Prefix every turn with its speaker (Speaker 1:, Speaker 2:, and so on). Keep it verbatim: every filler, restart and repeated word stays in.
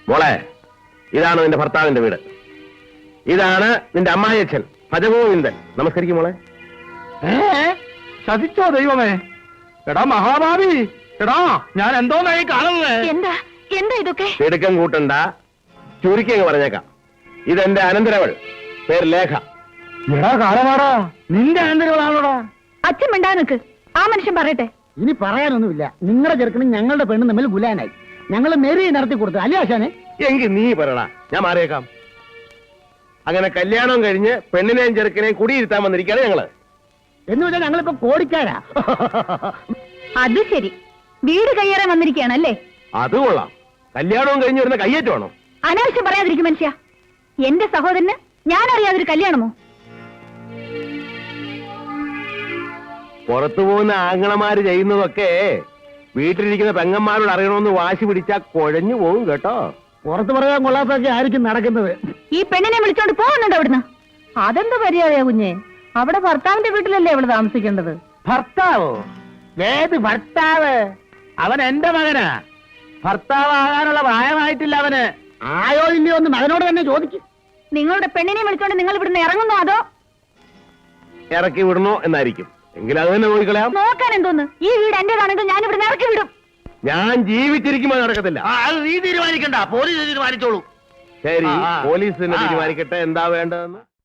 Speaker 1: മോളെ, ഇതാണ് നിന്റെ ഭർത്താവിന്റെ വീട്. ഇതാണ് നിന്റെ അമ്മായിയച്ഛൻ ഭജഗോവിന്ദൻ. നമസ്കരിക്കും മോളെ.
Speaker 2: ചതിച്ചോ ദൈവമേ? എടാ മഹാഭാവി, എടാ ഞാൻ എന്തോന്നായി കാണുന്നത്?
Speaker 3: എന്താ എന്താ ഇതൊക്കെ?
Speaker 1: തിടുക്കം കൂട്ടണ്ട, ചുരുക്കി അങ്ങ് പറഞ്ഞേക്കാം. ഇതെന്റെ അനന്തരവൾ, പേര് ലേഖ.
Speaker 2: എടാ കാലമാടാ, നിന്റെ അനന്തരവളാണോടാ?
Speaker 3: അച്ഛൻ മിണ്ടാ നിക്ക്, ആ മനുഷ്യൻ പറയട്ടെ.
Speaker 4: ഇനി പറയാനൊന്നുമില്ല. നിങ്ങളുടെ ചെറുക്കനും ഞങ്ങളുടെ പെണ്ണും തമ്മിൽ ഗുലാനായി. ഞങ്ങൾ മെരി നടത്തി കൊടുത്തു അല്ലേ ആശാനെ?
Speaker 1: എങ്കിൽ നീ പറയടാ, ഞാൻ മാറിയേക്കാം. അങ്ങനെ കല്യാണം കഴിഞ്ഞ് പെണ്ണിനെയും ചെറുക്കനെയും കുടിയിരുത്താൻ വന്നിരിക്കുകയാണ് ഞങ്ങള്.
Speaker 4: എന്ന് വെച്ചാൽ ഞങ്ങളിപ്പോ കോടിക്കാരാ.
Speaker 3: അത് ശരി, വീട് കയ്യേറാൻ വന്നിരിക്കുകയാണല്ലേ?
Speaker 1: അത് കൊള്ളാം. കല്യാണവും കഴിഞ്ഞ് വരുന്ന കയ്യേറ്റമാണോ?
Speaker 3: അനാവശ്യം പറയാതിരിക്കും മനുഷ്യ. എന്റെ സഹോദരന് ഞാൻ അറിയാതൊരു കല്യാണമോ?
Speaker 1: പുറത്തു പോകുന്ന ആങ്ങളമാര് ചെയ്യുന്നതൊക്കെ വീട്ടിലിരിക്കുന്ന പെങ്ങന്മാരോട് അറിയണമെന്ന് വാശി പിടിച്ചാ കുഴഞ്ഞു പോകും കേട്ടോ.
Speaker 4: പുറത്ത് പറയാൻ കൊള്ളാത്തൊക്കെ ആയിരിക്കും നടക്കുന്നത്.
Speaker 3: ഈ പെണ്ണിനെ വിളിച്ചോണ്ട് പോകുന്നുണ്ട് അവിടുന്ന്.
Speaker 5: അതെന്താ മര്യാദയാ കുഞ്ഞെ? അവിടെ ഭർത്താവിന്റെ വീട്ടിലല്ലേ അവള് താമസിക്കേണ്ടത്?
Speaker 2: ഭർത്താവോ? ഏത് ഭർത്താവ്? അവൻ എന്റെ മകനാ. ഭർത്താവാകാനുള്ള പ്രായമായിട്ടില്ല അവന്.
Speaker 4: ആയോ ഇല്ലയോ എന്ന് മകനോട് തന്നെ ചോദിക്കും.
Speaker 3: നിങ്ങളുടെ പെണ്ണിനെ വിളിച്ചോണ്ട് നിങ്ങൾ ഇവിടുന്ന് ഇറങ്ങുന്നോ അതോ
Speaker 1: ഇറക്കി വിടണോ എന്നായിരിക്കും. എങ്കിൽ അത് തന്നെ നോക്കിക്കളയാം.
Speaker 3: നോക്കാൻ എന്തോന്ന്? ഈ വീട് എന്റേതാണെങ്കിൽ ഞാൻ ഇവിടുന്ന് ഇറക്കി വിടും.
Speaker 1: ഞാൻ ജീവിച്ചിരിക്കുമ്പോൾ നടക്കത്തില്ല.
Speaker 2: അത് നീ തീരുമാനിക്കണ്ട, പോലീസ് തീരുമാനിച്ചോളൂ.
Speaker 1: ശരി,
Speaker 2: ആ, ആ.
Speaker 1: പോലീസ് തന്നെ
Speaker 2: ആ.
Speaker 1: തീരുമാനിക്കട്ടെ എന്താ വേണ്ടതെന്ന്.